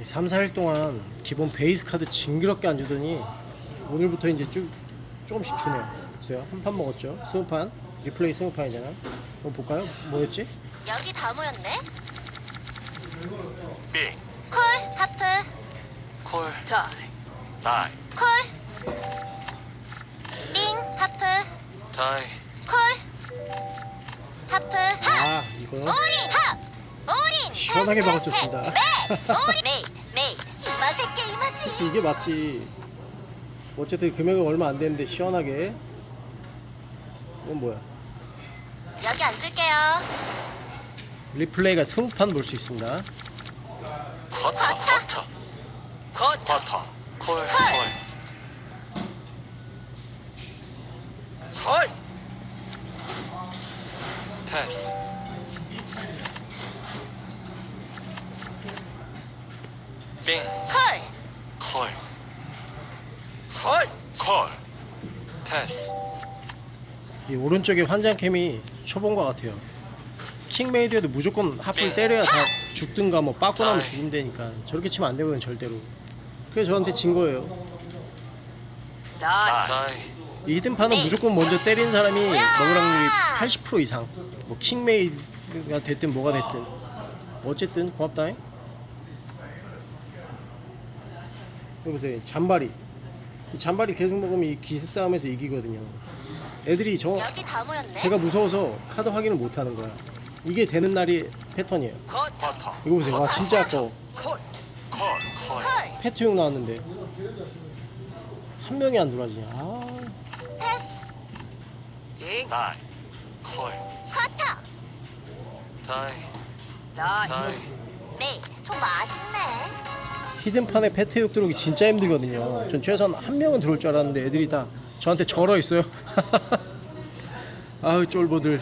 3, 4일 동안 기본 베이스 카드 징그럽게 안 주더니 오늘부터 이제 조금씩 주네요. 보세요. 한 판 먹었죠. 20판. 리플레이 20판이잖아. 한번 볼까요? 뭐였지? 여기 다 모였네. 빙, 콜, 하프, 콜, 다이, 콜, 빙, 하프, 다이, 콜, 하프, 아, 하, 이거요? 오린, 하, 오린, 시원하게 패스, 박아줬습니다. 셋, 오린, 메이드, 이 맛의 게임하지. 그치, 이게 맞지. 어쨌든 금액은 얼마 안 되는데 시원하게. 이건 뭐야? 여기 앉을게요. 리플레이가 20판 볼 수 있습니다. 커터, 콜, 패스, 빙, 콜, 콜, 패스, 이 오른쪽에 환장캠이 초본것 같아요. 킹메이드에도 무조건 하프를 때려야 다 죽든가 뭐 빠꾸 나면 죽으면 되니까 저렇게 치면 안 되거든 절대로. 그래서 저한테 진 거예요. 다이, 이 히든판은 무조건 먼저 때리는 사람이 먹을 확률이 80% 이상. 뭐 킹메이드가 됐든 뭐가 됐든 어쨌든 고맙다잉. 여기 보세요. 잔바리. 이 잔바리 계속 먹으면 이 기세 싸움에서 이기거든요. 애들이 여기 다 모였네. 제가 무서워서 카드 확인을 못 하는 거야. 이게 되는 날이 패턴이에요. 커터, 이거 보세요. 와 진짜 아까워. 콜, 콜, 패트용 나왔는데 한 명이 안 돌아지냐. 아, 패스, 다이, 콜, 커터, 다이, 메이드. 좀 맛있네. 히든판에 패트용 들어오기 진짜 힘들거든요. 전 최소한 한 명은 들어올 줄 알았는데 애들이 다 저한테 절어 있어요. 아우 쫄보들.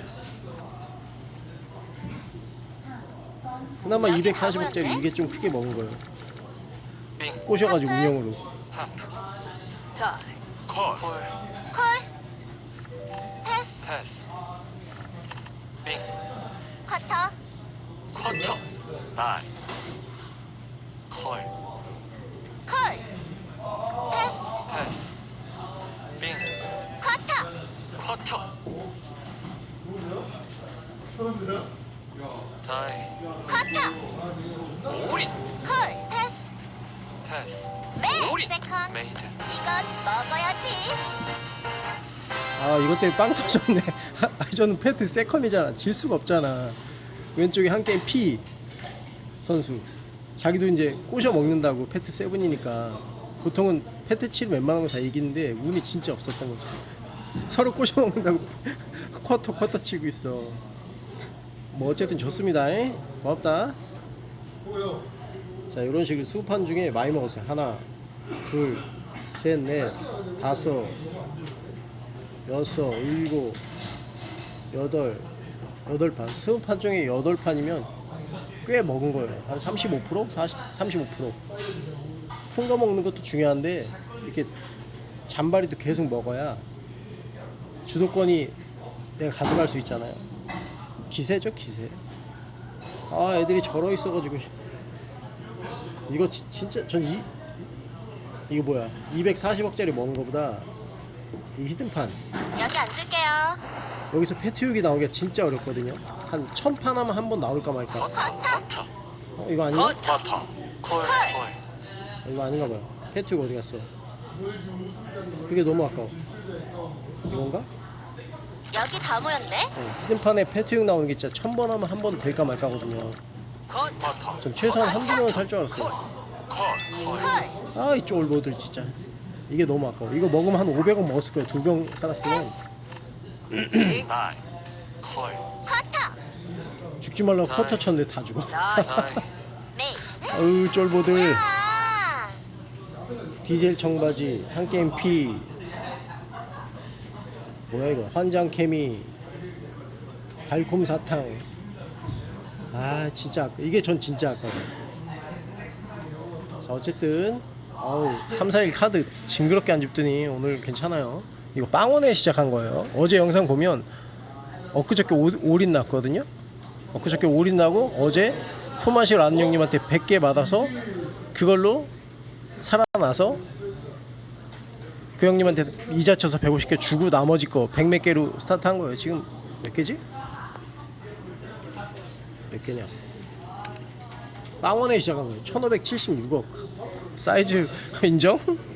그나마 240억짜리 이게 좀 크게 먹은 거예요. 빙, 꼬셔가지고 운영으로. 하프, 다이, 콜, 콜, 패스, 패스, 빙, 커터, 커터, 다이, 콜, 콜, 패스, 패스, 빙, 커터, 커터, 다이, 커터, 오린, 콜, 패스, 패스, 메이드, 세컨드. 메이드, 이건 먹어야지. 아 이것 때문에 빵 터졌네. 저는 패트 세컨이잖아. 질 수가 없잖아. 왼쪽에 한 게임 P 선수. 자기도 이제 꼬셔 먹는다고 패트 세븐이니까 보통은 패트 7 웬만한 거 다 이기는데 운이 진짜 없었던 거죠. 서로 꼬셔 먹는다고 쿼터 치고 있어. 뭐 어쨌든 좋습니다. 고맙다. 자 이런 식으로 20판 중에 많이 먹었어요. 하나, 둘, 셋, 넷, 다섯, 여섯, 일곱, 여덟, 8판. 20판 중에 8판이면 꽤 먹은 거예요. 한 35%? 35%. 큰 거 먹는 것도 중요한데 이렇게 잔바리도 계속 먹어야 주도권이 내가 가져갈 수 있잖아요. 기세죠, 기세. 아, 애들이 절어 있어가지고 이거 진짜 전 이거 뭐야? 240억짜리 먹은 거보다 이 히든판 여기 앉을게요. 여기서 패트육이 나오기가 진짜 어렵거든요. 한 1000판 하면 한 번 나올까 말까. 커터, 이거 아니야? 커터, 콜, 이거 아닌가 봐요. 패트육 어디 갔어? 그게 너무 아까워. 이건가? 여기 다 모였네. 히든판에 패트육 나오는 게 진짜 1000번 하면 한 번 될까 말까거든요. 커터, 전 최소한 한두 명은 살 줄 알았어요. 콜, 콜, 아, 이 쫄보들 진짜. 이게 너무 아까워. 이거 먹으면 한 500원 먹었을 거예요. 2병 살았으면. 다이, 콜, 커터, 죽지 말라고 커터 쳤는데 다 죽어. 다이, 메이드. 어우, 쫄보들. 아, 디젤 청바지, 한 게임 P. 뭐야 이거? 환장 케미, 달콤 사탕. 아 진짜 이게 전 진짜 아까워. 자 어쨌든 3, 4일 카드 징그럽게 안 집더니 오늘 괜찮아요. 이거 빵원에 시작한 거예요. 어제 영상 보면 엊그저께 올인 났거든요. 엊그저께 올인 나고 어제 품앗이 란형님한테 100개 받아서 그걸로 살아나서 그 형님한테 이자 쳐서 150개 주고 나머지 거 100 몇 개로 스타트한 거예요. 지금 몇 개지? 몇 개냐? 빵원에 시작한 거예요. 1576억. 사이즈 인정?